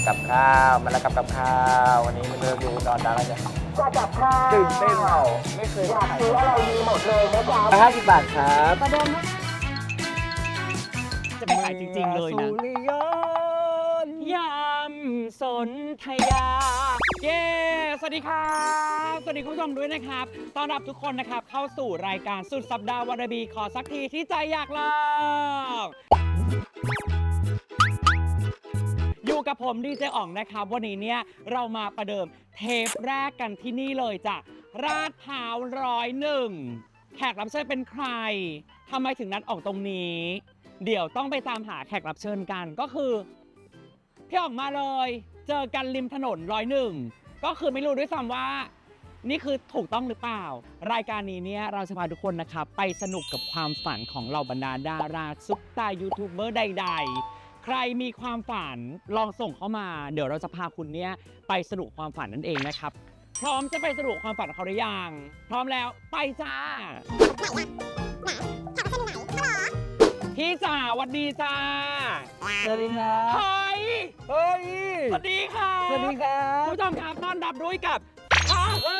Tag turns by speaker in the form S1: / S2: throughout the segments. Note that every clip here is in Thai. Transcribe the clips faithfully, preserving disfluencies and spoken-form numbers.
S1: กับข้าวมาแล้วกับกับข้าววันนี้มันเริ่มดูนอนดังแล้วเนี่ยกับข้าวตื่นเต้นเปล่าไม่เคยอยากซื้ออะไรมีหมดเลยนะจ๊ะห้าสิบบาทครับประเด็น
S2: จะไปขายจริงๆเลยนะยำสนธยาเย้สวัสดีครับสวัสดีคุณผู้ชมด้วยนะครับต้อนรับทุกคนนะครับเข้าสู่รายการสุดสัปดาห์วันบีขอสักทีที่ใจอยากลองอยู่กับผมดีเจอ๋องนะครับวันนี้เนี่ยเรามาประเดิมเทปแรกกันที่นี่เลยจ้ะราดพร้าวร้อยหนึ่งแขกรับเชิญเป็นใครทำไมถึงนัดออกตรงนี้เดี๋ยวต้องไปตามหาแขกรับเชิญกันก็คือพี่ออกมาเลยเจอกันริมถนนร้อยหนึ่งก็คือไม่รู้ด้วยซ้ำว่านี่คือถูกต้องหรือเปล่ารายการนี้เนี่ยเราจะพาทุกคนนะครับไปสนุกกับความฝันของเหล่าบรรดาดาราซุปตายูทูบเบอร์ใดๆใครมีความฝันลองส่งเข้ามาเดี๋ยวเราจะพาคุณเนี่ยไปสนุกความฝันนั่นเองนะครับพร้อมจะไปสนุกความฝันของเขาหรือยังพร้อมแล้วไปจ้าพี่จ๋าสวัสดีจ้า
S1: สวัสดีครับ
S2: เฮ้ย
S1: เฮ้ย
S2: สวัสดีค่ะ
S1: สวัสดีครับ
S2: ผู้ชมครับต้อนรับด้วยกับข้าวเอ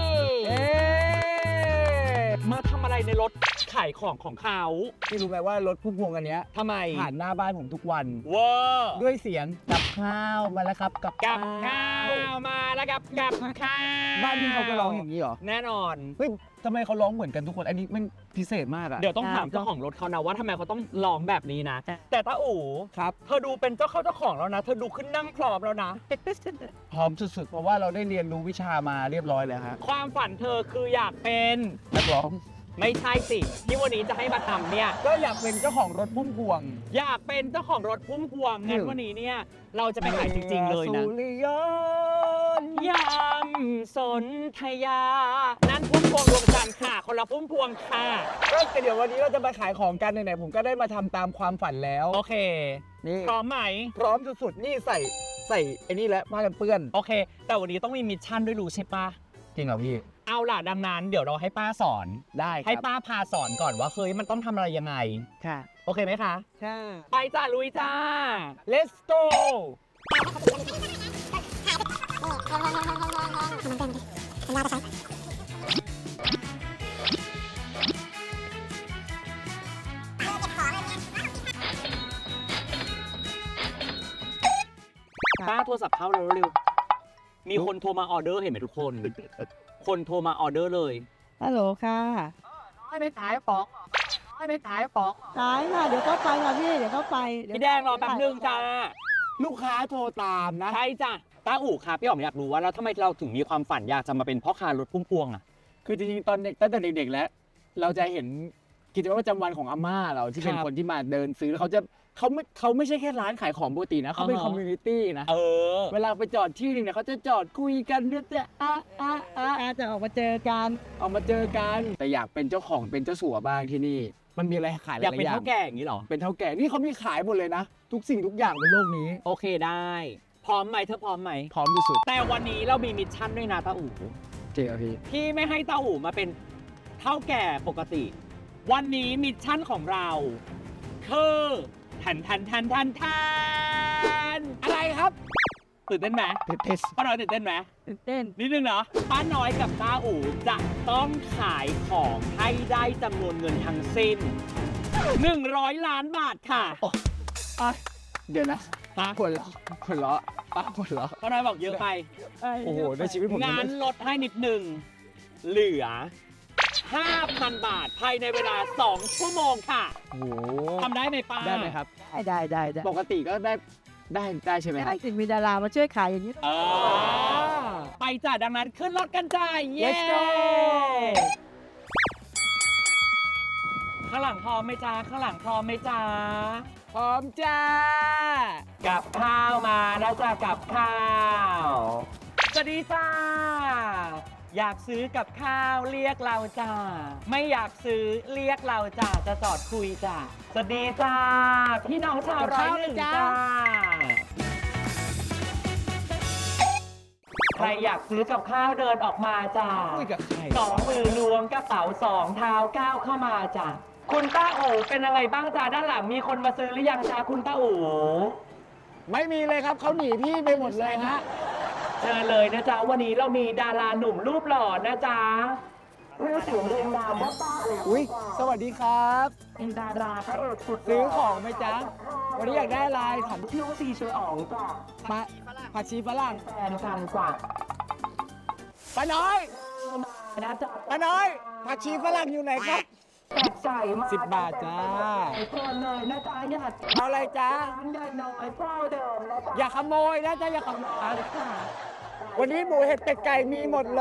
S2: อมาทำอะไรในรถขายของของเขา
S1: พี่รู้ไหมว่ารถพุ่มพวงอันเนี้ย
S2: ทำไม
S1: ผ่านหน้าบ้านผมทุกวัน
S2: เวอร์
S1: ด้วยเสียงกับข้าวมาแล้วครับกับ
S2: กับข้าวมาแล้วกับกับข้าว
S1: บ้านพี่เขาก็ร้องอย่างนี้เหรอ
S2: แน่นอน
S1: เฮ้ยทำไมเขาร้องเหมือนกันทุกคนอันนี้มันพิเศษมากอะ
S2: เดี๋ยวต้องถามเจ้าของรถเขานะว่าทำไมเขาต้องร้องแบบนี้นะ แต่ตาอู๋
S1: ครับ
S2: เธอดูเป็นเจ้าเข้าเจ้าของแล้วนะเธอดูขึ้นนั่งพร้อมแล้วนะ
S1: พร้อมสุดๆเพราะว่าเราได้เรียนรู้วิชามาเรียบร้อยแล้วฮะ
S2: ความฝันเธอคืออยากเป็น
S1: นักร้อง
S2: ไม่ใช่สิที่วันนี้จะให้มาทำเนี่ย
S1: ก็อยากเป็นเจ้าของรถพุ่มพวง
S2: อยากเป็นเจ้าของรถพุ่มพวงงั้นวันนี้เนี่ยเราจะไปขายจริงๆเลยนะ
S1: สุริยนต์
S2: ยำสนธยานั่นพุ่มพวงดวงจันทร์ค่ะคนละพุ่มพวงค่ะ
S1: ก็เดี๋ยววันนี้เราจะมาขายของกันไหนๆผมก็ได้มาทำตามความฝันแล้ว
S2: โอเค
S1: นี่
S2: พร้อมไหม
S1: พร้อมสุดๆนี่ใส่ใส่ไอ้นี่แหละผ้ากันเปื้อน
S2: โอเค แต่วันนี้ต้องมีมิชชั่นด้วยรู้ใช่ปะ
S1: จริงเหรอพี่
S2: เอาล่ะดังนั้นเดี๋ยวเราให้ป้าสอน
S1: ได้ค
S2: ให้
S1: รับ
S2: ป้าพาสอนก่อนว่าเฮ้ยมันต้องทำอะไรยังไง
S1: ค่ะ
S2: โอเคไหมคะ
S1: ค่ะ
S2: ไปจ้าลุยจ้า
S1: let's go
S2: ป้าโทรศัพท์เข้าเร็วๆมีคนโทรมาออเดอร์เห็นไหมทุกคน คนโทรมาออเดอร์เลย
S3: ฮัลโหลค่ะให้ไปขายป๋องให้ไปขายป๋องขายค่ะเดี๋ยวก็ไปค่ะพี่เดี๋ยวก็ไปเยว
S2: พี่แดงรอแป๊บนึงจ้า
S1: ลูกค้าโทรตามนะ
S2: ใช่จ้ะต้าอู่ค่ะพี่อ๋อมอยากรู้ว่าแล้วทำไมเราถึงมีความฝันอยากจะมาเป็นพ่อค้ารถพุ่มพวงอ่ะ
S1: คือจริงๆตอนเด็กตั้งแต่เด็กๆแล้ว เราจะเห็นกิจวัตรประจำวันของอาม่าเราที่เป็น
S2: ครับ
S1: คนที่มาเดินซื้อแล้วเขาจะเขาไม่เขาไม่ใช่แค่ร้านขายของปกตินะเขาเป็น
S2: อ่าฮะ
S1: คอมมูนิตี้นะ
S2: เออ
S1: เวลาไปจอดที่นึงเนี่ยเขาจะจอดคุยกันเนี่ยจะอ่ะอ่ะอ่ะ
S3: อาจจะออกมาเจอกัน
S1: เอามาเจอกันแต่อยากเป็นเจ้าของเป็นเจ้าสัวบ้างที่นี่ มันมีอะไรขายห
S2: อ
S1: ลาย
S2: ยากเป็น
S1: ๆอย่าง
S2: เท่าแก่อย่างนี้เหรอ
S1: เป็นเท่าแก่นี่เขามีขายหมดเลยนะ ทุกสิ่งทุกอย่างบนโลกนี้
S2: โอเคได้ พร้อมไหมเธอพร้อมไหม
S1: พร้อมที่สุด
S2: แต่วันนี้เรามีมิชชั่นด้วยนะต้าอู่
S1: เจ๊พี่
S2: ที่ไม่ให้ต้าอู่มาเป็นเท่าแก่ปกติ วันนี้มิชชั่นของเราคือทันทันทันทันทันอะไรครับตื่นเต้นไหม
S1: เทส
S2: ป้าน้อยตื่นเต้นไหม
S3: ตื่นเต้น
S2: นิดนึงเนาะป้าน้อยกับต้าอู่จะต้องขายของให้ได้จำนวนเงินทั้งสิ้นหนึ่งร้อยล้านบาทค่ะ
S1: เดี๋ยวนะ
S2: ป้า
S1: หัวเราะหัวเราะป้าหัวเราะ
S2: ป้าน้อยบอกเยอะไป
S1: โอ้โหในชีวิตผมยัง
S2: งาน
S1: ไม่
S2: ลดให้นิดหนึ่งเหลือ ห้าพัน บาทภายในเวลา สอง ชั่วโมงค่ะ
S1: โอ้โห
S2: ทำได้ไหมป้า
S1: ได้ไหมครับ
S3: ได้ได้ได้ได้
S1: ปกติก็ได้ได้ได้ใช่ไหมค
S3: ได้
S1: รับ
S3: ถึงมีดารามาช่วยขายอย่างนี้
S2: เออไปจ้ะดังนั้นขึ้นรถกันจ้าเย้
S1: Let's go
S2: ข้างหลังพร้อมไหมจ้าข้างหลังพร้อมไหมจ้า
S1: พร้อมจ้า
S2: กับข้าวมาแล้วจ้ากับข้าวสวัสดีจ้าอยากซื้อกับข้าวเรียกเราจ้าไม่อยากซื้อเรียกเราจ้าจะจอดคุยจ้าสวัสดีจ้าพี่น้องชาวร้อยหนึ่งจ้าใครอยากซื้อกับข้าวเดินออกมาจ้า
S1: คุยกับใคร
S2: สองมือล้วงกระเป๋าสองเท้าก้าวเข้ามาจ้ะคุณต้าอู๋เป็นอะไรบ้างจ้าด้านหลังมีคนมาซื้อหรือยังจ้าคุณต้าอู๋
S1: ไม่มีเลยครับเขาหนีพี่ไปหมดเลยฮะ
S2: เชิญเลยนะจ๊ะวันนี้เรามีดาราหนุ่มรูปหล่อนะจ๊ะ
S1: อุ้ยสวัสดีครับ
S2: เป็นดาราพระเอกสุด
S1: ซื้อของไหมจ๊ะ วันนี้อยากได้อะไรถาม
S2: ชื่อว่าซีเชออ๋องจ้ะ
S1: ปะผักชีฝรั่ง
S2: แฟนกันกว่า
S1: ป้าน้อย
S2: นะจ๊ะ
S1: ป้าน้อยผักชีฝรั่งอยู่ไหนครับ
S2: แปลกใจมาก
S1: สิบบาทจ้า
S2: เชิญเลยนะจ๊ะอย่า
S1: เอาอะไรจ๊ะ
S2: ร้านใหญ่น้อยเจ้าเดิมนะจ๊ะ
S1: อย่าขโมยนะจ๊ะอย่าขโมย
S2: เอาเลยค่ะ
S1: วันนี้หมูเห็ดเป็ดไก่มีหมดเลย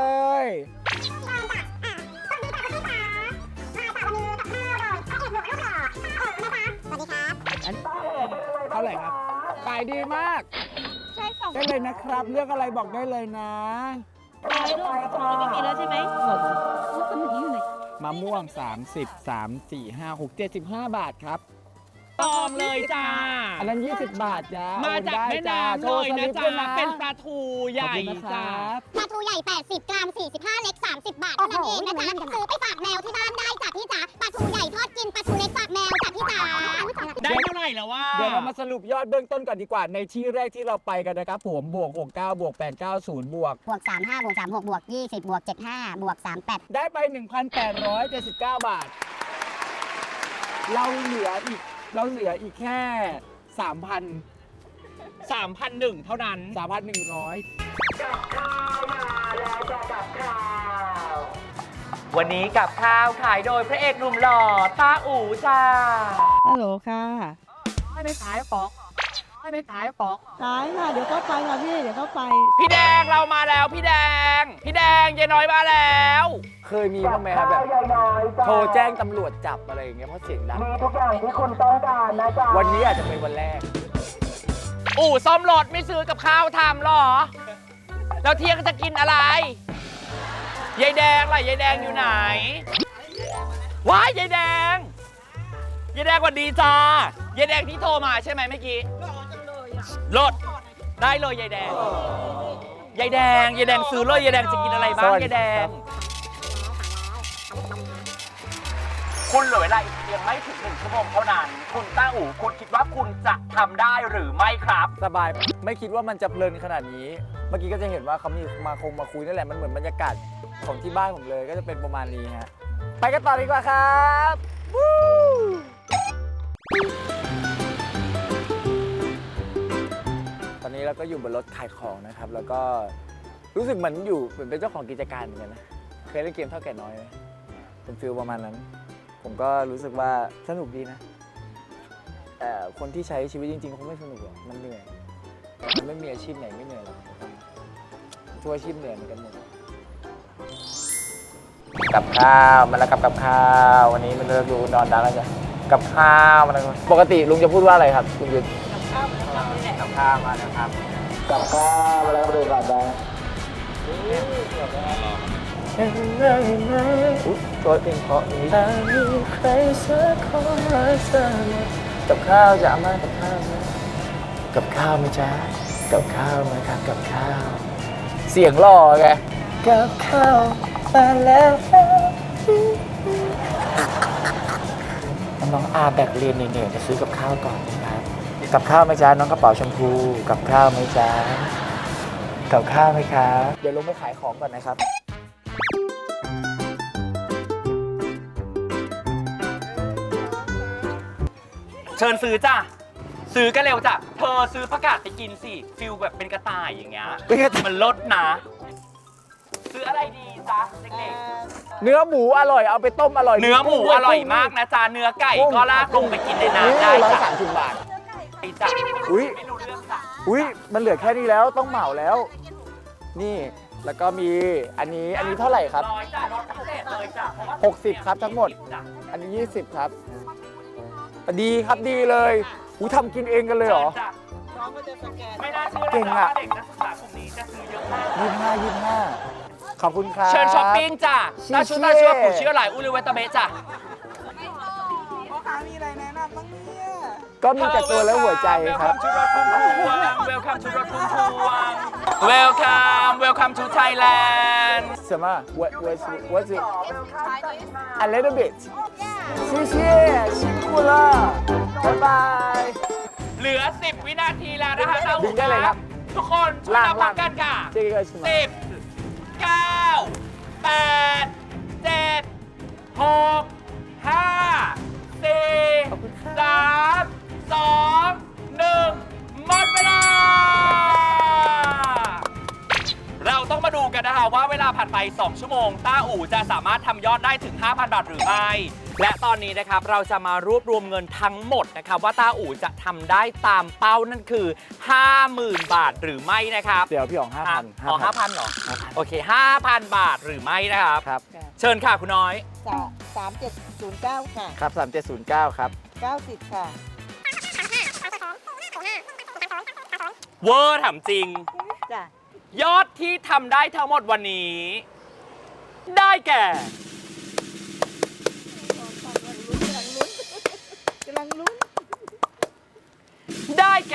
S1: อันเท่าไหร่ครับ ขายดีมาก
S3: ใช่สอง
S1: ได้เลยนะครับ เลือกอะไรบอกได้เลยนะ
S3: ขายรูปไม่มีแล้วใช่ไหมหมดรูปคนนี้อยู่ไหน
S1: มะม่วง 30 3 4 5 6 7 5 บาทครับ
S2: ตองเลยจ้า
S1: อันนั้น ยี่สิบบาทจ้า
S2: มา
S1: โอน
S2: จาก
S1: ได้
S2: แม่
S1: จ้า
S2: น้ำ
S1: โช
S2: เล
S1: ว์
S2: ย
S1: ส
S2: นะ
S1: ลิป
S2: จ๊ะ
S1: ด้วยนะ
S2: เป็นปลาทูใหญ่
S1: ขอบคุณนะค
S2: จ้า
S1: รับ
S4: ปลาทูใหญ่ แปดสิบ กรัม สี่สิบห้า เล็ก สามสิบ บาทเท่านั้นเองนะจ๊ะ ซื้อไปฝากแมวที่บ้านได้จ้ะพี่จ๋า ปลาทูใหญ่ทอดกิน ปลาทูเล็กฝากแมวจ้ะพี่จ๋า
S2: ได้เท่าไหร่แล้วว่า
S1: เดี๋ยวเรามาสรุปยอดเบื้องต้นก่อนดีกว่า ในที่แรกที่เราไปกันนะครับผมบวก หกเก้า บวก แปดเก้า ศูนย์ บวก
S4: บวก สามห้า บวก สามหก บวก ยี่สิบ บวก เจ็ดห้า บวก สามแปด
S1: ได้ไป หนึ่งพันแปดร้อยเจ็ดสิบเก้า บาท เราเหลืออีก เราเหลืออีกแค่ สามพัน
S2: สามพันหนึ่งเท่านั้น
S1: สามพันหนึ่งร้อย
S2: วันนี้กับข้าวขายโดยพระเอกหนุ่มหล่อตาอู๋จ้า
S3: ฮัลโหลค่ะ
S2: ไม่ได้ขายของไม่ได้ขายของ
S3: ขายค่ะเดี๋ยวก็ไปค่ะพี่เดี๋ยวก็ไป
S2: พี่แดงเรามาแล้วพี่แดง พี่แดงยายน้อยมาแล้ว
S1: เคยมีบ้างไหมครับแบบโทรแจ้งตำรวจจับอะไรอย่างเงี้ยเพราะเสียงดัง
S2: มีทุกอย่างที่คุณต้องการนะจ๊ะ
S1: วันนี้อาจจะเป็นวันแรก
S2: อู่ซ่อมรถไม่ซื้อกับข้าวทำหรอ แล้วเที่ยงจะกินอะไร ยายแดงล่ะยายแดงอยู่ไหน ว้ายยายแดง ยายแดงสวัสดีจ้ายายแดงที่โทรมาใช่ไหมเมื่อกี้รถได้เลยยายแดง ยายแดง ยายแดงซื้อเลยยายแดงจะกินอะไรบ้าง
S1: สวัสดี
S2: ยายแด
S1: ครั
S2: ง
S1: บ
S2: คุณเหลือเวลาอีกเพียงไม่ถึงหนึ่งชั่วโมงเท่านั้น คุณต้าอู๋คุณคิดว่าคุณจะทำได้หรือไม่ครับ
S1: สบายไม่คิดว่ามันจะเพลินขนาดนี้ เมื่อกี้ก็จะเห็นว่าเขามีมาคงมาคุยนั่นแหละมันเหมือนบรรยากาศของที่บ้านผมเลยก็จะเป็นประมาณนี้ฮะไปกันต่อดีกว่าครับวู้ตอนนี้เราก็อยู่บนรถขายของนะครับ แล้วก็รู้สึกเหมือนอยู่เหมือนเป็นเจ้าของกิจการเหมือนกันนะเคยเล่นเกมเท่าแก่น้อยไหมเป็นฟิลประมาณนั้น ผมก็รู้สึกว่าสนุกดีนะแต่คนที่ใช้ชีวิตจริงๆคงไม่สนุกหรอกมันเหนื่อยมันไม่มีอาชีพไหนไม่เหนื่อยหรอกทุกอาชีพเหนื่อยเหมือนกันหมดกับข้าวมาแล้วกับกับข้าววันนี้มันเลิกดูนอนดังแล้วจ้ะกับข้าวมันปกติลุงจะพูดว่าอะไรครับลุงยุทธกับข้าวมาแล้วครับกับข้าวมาแล้วมาดูก่อนได้เห็นไหมเห็นไหมอุ๊ยตัวเพลงเพราะนี้ถ้ามีใครสักคนรักเธอกับข้าวจะเอามากับข้าวไหมกับข้าวไหมจ๊ะกับข้าวไหมครับกับข้าวเสียงหล่อไงกับข้าวมาแล้วน้องอาแบกเรียนเหนื่อยๆจะซื้อกับข้าวก่อนนะครับกับข้าวไหมจ๊ะน้องกระเป๋าชมพูกับข้าวไหมจ๊ะกับข้าวไหมครับเดี๋ยวลงไปขายของก่อนนะครับ
S2: เชิญซื้อจ้ะ ซื้อกันเร็วจ้ะ เธอซื้อผักกาดไปกินสิฟิลแบบเป็นกระต่ายอย่างเงี้ย
S1: เป็นกระต่าย
S2: มันลดนะ ซื้ออะไรดีจ๊ะเด็ก
S1: เนื้อหมูอร่อยเอาไปต้มอร่อย
S2: ๆ เนื้อหมูอร่อยมากนะจ๊ะ เนื้อไก่ก็ลากลงไปกินในน้ำได้
S1: ร้อย
S2: จ้ะ
S1: สามสิบบาท
S2: ไอ้จ้ะ
S1: อุ้ย
S2: ไม่รู้เรื่องจ้ะ
S1: อุ้ยมันเหลือแค่นี้แล้วต้องเหมาแล้ว นี่แล้วก็มีอันนี้อันนี้เท่าไหร่ครับ
S2: ร้อยจ้ะลดพิเศษเลยจ้ะเพราะว่า
S1: หกสิบครับทั้งหมด
S2: จ้ะ
S1: อันนี้ยี่สิบครับดีครับดีเลยอูทำกินเองกันเลยเหรอ
S2: ชิญจ้ะไม่น่าเชื่อ
S1: เก่ง
S2: นะ
S1: อะ
S2: ว่าเด็กนักศึกษากลุ่มนี้จะซื้อเยอะมาก
S1: ยี่ห้ายี่ห้าขอบคุณครับ
S2: เชิญช้อปปิ้งจ้ะ
S1: ชิ
S2: ถ้าชุด
S1: เช่
S2: ถ้าชุดผู้เชื่อหลายอุลิเวตาเบะจ้ะ
S1: ก็มีแต่ตัวและหัวใจครับ
S2: Welcome to รถพุ่มพวง Welcome to รถพุ่มพวง Welcome Welcome to Thailand
S1: 什么 what what's what's it a little bit 谢谢辛苦了拜拜
S2: เหลือ สิบ วินาทีแล้วนะคะต้า
S1: ดึ
S2: อู๋
S1: งได้เลยครับ
S2: ทุกคนช่วย
S1: ล่าง
S2: นับพร้อมกันค่ะ
S1: เจ๊ก็ชิมา
S2: สิบ เก้า แปด เจ็ด หก ห้า สี่ สาม สอง หนึ่ง หมดเวลา เราต้องมาดูกันนะคะว่าเวลาผ่านไป สอง ชั่วโมง ต้าอู่จะสามารถทำยอดได้ถึง ห้าพัน บาทหรือไม่ และตอนนี้นะครับเราจะมารวบรวมเงินทั้งหมดนะครับว่าต้าอู่จะทำได้ตามเป้านั่นคือ ห้าหมื่น บาทหรือไม่นะครับ
S1: เดี๋ยวพี่อ๋องห้าพัน
S2: อ๋อห้าพันเหรอ โอเค ห้าพัน บาทหรือไม่นะครับ
S1: ครับ
S2: เชิญค่ะคุณน้อย
S3: สามสามเจ็ดศูนย์เก้าค่ะ
S1: ครับสามเจ็ดศูนย์เก้าครับ
S3: เก้าสิบค่ะ
S2: เวอร์ถามจริง
S3: จ้ะ
S2: ยอดที่ทำได้ทั้งหมดวันนี้ ได้แก่
S3: กำลังลุ้น
S2: ได้แก่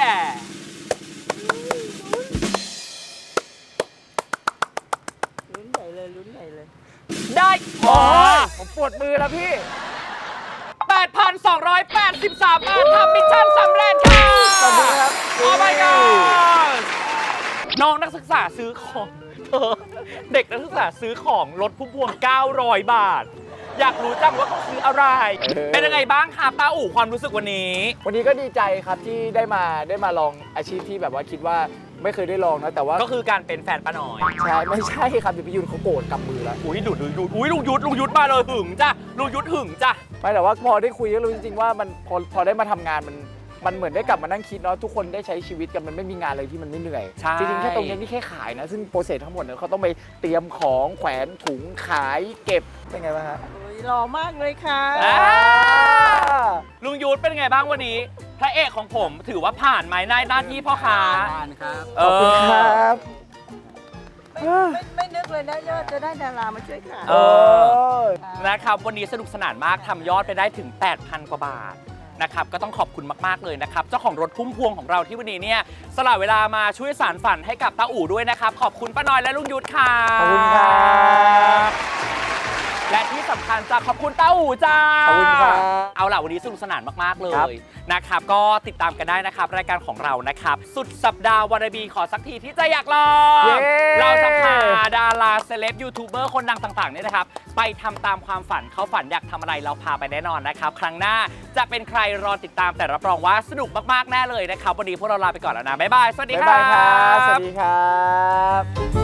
S3: ลุ้นใหญ่เลยลุ้นใหญ่เลย
S2: ได้
S1: โอ้
S2: อ๋อ
S1: ผมปวดมือแล้วพี่
S2: แปดพันสองร้อยแปดสิบสาม บาททำมิชชั่นสำเร็จค่ะ
S1: ขอบคุณครับ
S2: โอ้ my god น้องนักศึกษาซื้อของเธอเด็กนักศึกษาซื้อของรถพุ่มพวง เก้าร้อย บาท อยากรู้จังว่าเขาซื้ออะไร
S1: เออ
S2: เป็นยังไงบ้างครับต้าอู่ความรู้สึกวันนี้
S1: วันนี้ก็ดีใจครับที่ได้มาได้มาลองอาชีพที่แบบว่าคิดว่าไม่เคยได้ลองนะแต่ว่า
S2: ก็คือการเป็นแฟนป้าน้อย
S1: ใช่ไม่ใช่ครับเดี๋ยวพี่ยุนเขาโกรธกำมือแล้ว
S2: อุ้ยดูดดูดดูดอุ้ยลุงยุทธลุงยุทธมาเลยหึงจ้ะลุงยุทธหึงจ้ะ
S1: ไม่แต่ว่าพอได้คุยก็รู้จริงๆว่ามันพอพอได้มาทำงานมันมันเหมือนได้กลับมานั่งคิดเนาะทุกคนได้ใช้ชีวิตกันมันไม่มีงานอะไรที่มันไม่เหนื่อย
S2: ใช่
S1: จริงๆแค่ตรงนี้นี่แค่ขายนะซึ่งโปรเซสทั้งหมดเนี่ยเขาต้องไปเตรียมของแขวนถุงขายเก็บเป็นไงบ้างฮะ
S3: โอ้ยหล่อมากเลยค่ะ
S2: อ่าลุงยุทธเป็นไงบ้างวันนี้ พระเอกของผมถือว่าผ่านไหมในหน้าที่พ่อค้า
S5: ผ่านครับ
S2: เ
S1: ขอบคุณครับ
S3: ไม่ไม่ไม่นึกเลยนะยอดจะได้ดารามาช่วยขาย
S2: เอ
S1: อ
S2: นะครับวันนี้สนุกสนานมากทำยอดไปได้ถึง แปดพัน กว่าบาทนะครับก็ต้องขอบคุณมากๆเลยนะครับเจ้าของรถพุ่มพวงของเราที่วันนี้เนี่ยสละเวลามาช่วยสารฝันให้กับต้าอู่ด้วยนะครับขอบคุณป้าน้อยและลุงยุทธค่ะ
S1: ขอบคุณครับ
S2: และที่สำคัญจะขอบคุณต้าอู่จ้า
S1: ขอบคุณครับ
S2: เอาล่ะวันนี้สนุกสนานมากๆเล
S1: ครับ
S2: ยนะครับก็ติดตามกันได้นะครับรายการของเรานะครับสุดสัปดาห์วันบีขอสักทีที่จะอยากลอง
S1: เย้
S2: เราจะพาดาราเซเลบยูทูบเบอร์คนดังต่างๆเนี่ยนะครับไปทำตามความฝันเขาฝันอยากทำอะไรเราพาไปแน่นอนนะครับครั้งหน้าจะเป็นใครรอติดตามแต่รับรองว่าสนุกมากๆแน่เลยนะครับวันนี้พวกเราลาไปก่อนแล้วนะบ๊ายบายสวัสดี
S1: บ๊าย
S2: ครับ
S1: ายครับ สวัสดีครับ